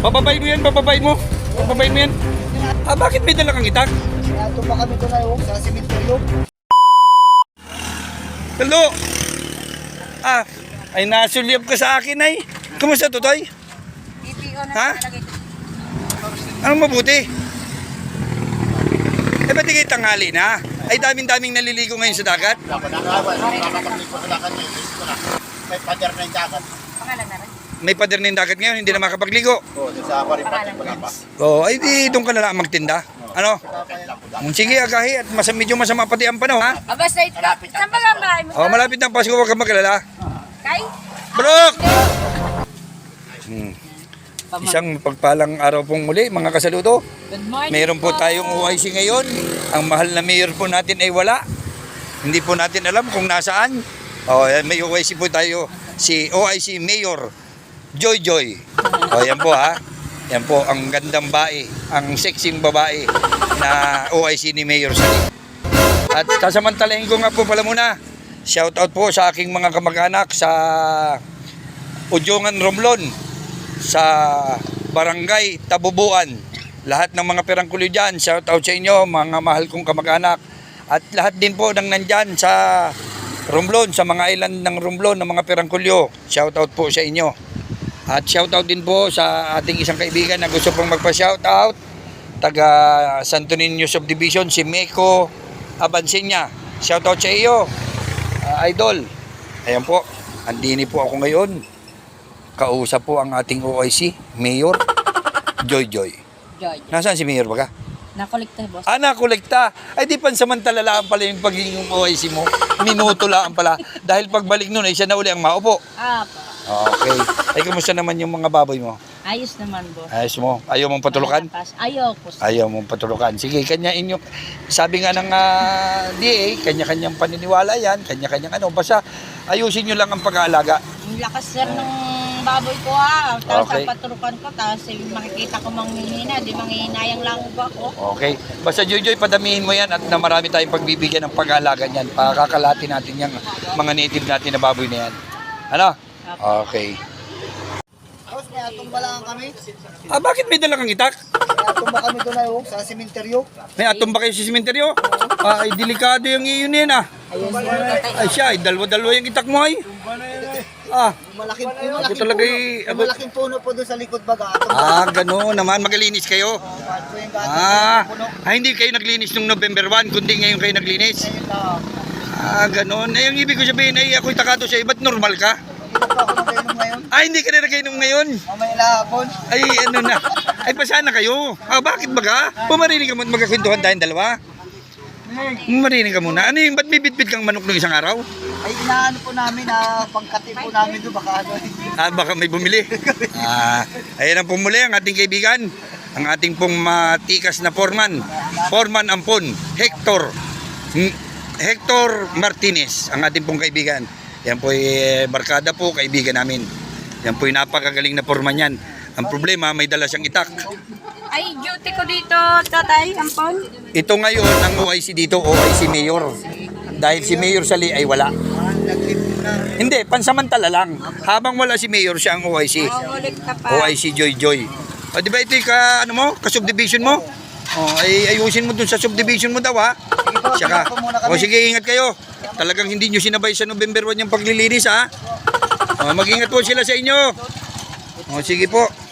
Bababayin mo yan, bababayin mo. Bababayin mo yan. Bakit may dala kang itak? Ito pa kami ito na sa simenteryo. Hello? Ay nasulyap ka sa akin ay. Kumusta Totoy? Ha? Anong mabuti? Ba't di kayo tanghali na? Ay daming-daming naliligo ngayon sa dagat? May pader na yung dagat. May pader na yung dagat ngayon, hindi na makapagligo. Oo, sa paripatin ko na pa. Ay di doon ka na lang magtinda. Ano? Sige, agahi at medyo masama pati ang panahon, ha? Basta ito. Saan ba ang bahay mo? Malapit na ang Pasko, huwag kang magalala. Kay? Brooke! Isang pagpalang araw pong muli, mga kasaludo. Good morning. Mayroon po tayong OIC ngayon. Ang mahal na mayor po natin ay wala. Hindi po natin alam kung nasaan. May OIC po tayo, si OIC Mayor Joy Joy. Yan po ha. Yan po ang gandang bae, ang sexing babae na OIC ni Mayor Sali. At sasamantalahin ko nga po pala muna. Shout out po sa aking mga kamag-anak sa Udjongan Romblon, sa Barangay Tabubuan. Lahat ng mga perangkulyo dyan, shout out sa inyo, mga mahal kong kamag-anak. At lahat din po ng nandyan sa Romblon, sa mga island ng Romblon, ng mga perangkulyo, shout out po sa inyo. At shout out din po sa ating isang kaibigan na gusto pong magpa-shout out, taga Santo Niño Subdivision, si Meko Abansenya. Shout out sa iyo, idol. Ayan po, andini po ako ngayon. Kausap po ang ating OIC, Mayor Joy Joy. Joy. Nasaan si Mayor baga? Nakolekta, boss. Nakolekta. Ay di pansamantala lang pala yung pagiging OIC mo. Minuto lang pala. Dahil pagbalik nun ay siya na uli ang maupo. Pa. Okay. Ay kumusta naman yung mga baboy mo? Ayos naman, boss. Ayos mo? Ayaw mong patulukan? Ayaw po. Ayaw mong patulukan. Sige, kanya inyo. Sabi nga ng DA, kanya-kanyang paniniwala yan, kanya-kanyang ano. Basta ayusin nyo lang ang pag-aalaga. Ang lakas, sir, ng baboy ko, ha. Tapos Okay. paturukan ko, tapos makikita ko manghihina. Di manghihinayang lang ba ako? Okay. Basta Joy, padamihin mo yan at na marami tayong pagbibigyan ng pag-aalaga niyan. Pakakalati natin yung mga native natin na baboy na yan. Ano? Okay. Tapos may atumba lang kami. Bakit may dala kang itak? May atumba kami doon na sa simenteryo. May atom ba kayo sa simenteryo? Ay, delikado yung iyon yan Ayun, sir. Ay siya, dalawa-dalawa yung itak mo ay. Ako talaga yung malaking puno po doon sa likod baga. Gano'n naman. Magalinis kayo. Hindi kayo naglinis nung November 1, kundi ngayon kayo naglinis. Gano'n. Ang ibig ko sabihin ay ako'y takado sa iba't normal ka. Hindi pa ako nagainom ngayon. Hindi ka na nagainom ngayon. Mamaya lahapon. Ay, ano na. Ay, pasana kayo. Bakit baga? Pumarinig ka muna magkakwentuhan tayong dalawa. Pumarinig ka muna. Ano yung, ba't may bitbit kang manok ng isang araw? Ay inaano po namin na pangkati po namin doon baka ano. Baka may bumili. Ayan ang pumuli ang ating kaibigan. Ang ating pong matikas na foreman. Foreman Ampon. Hector Martinez. Ang ating pong kaibigan. Yan po barkada po, kaibigan namin. Yan po napakagaling na foreman yan. Ang problema, may dala siyang itak. Ay, duty ko dito, tatay, ampon. Ito ngayon, ang OIC dito, OIC Mayor. Dahil si Mayor Sali ay wala. Hindi, pansamantala lang. Habang wala si Mayor, siya ang OIC. Kolekta pa. OIC Joy Joy. Di ba ito yung ka-subdivision mo? Ay ayusin mo dun sa subdivision mo daw ha. Saka, sige, ingat kayo. Talagang hindi nyo sinabay sa November 1 yung paglilinis ha. Mag-ingat po sila sa inyo. Sige po.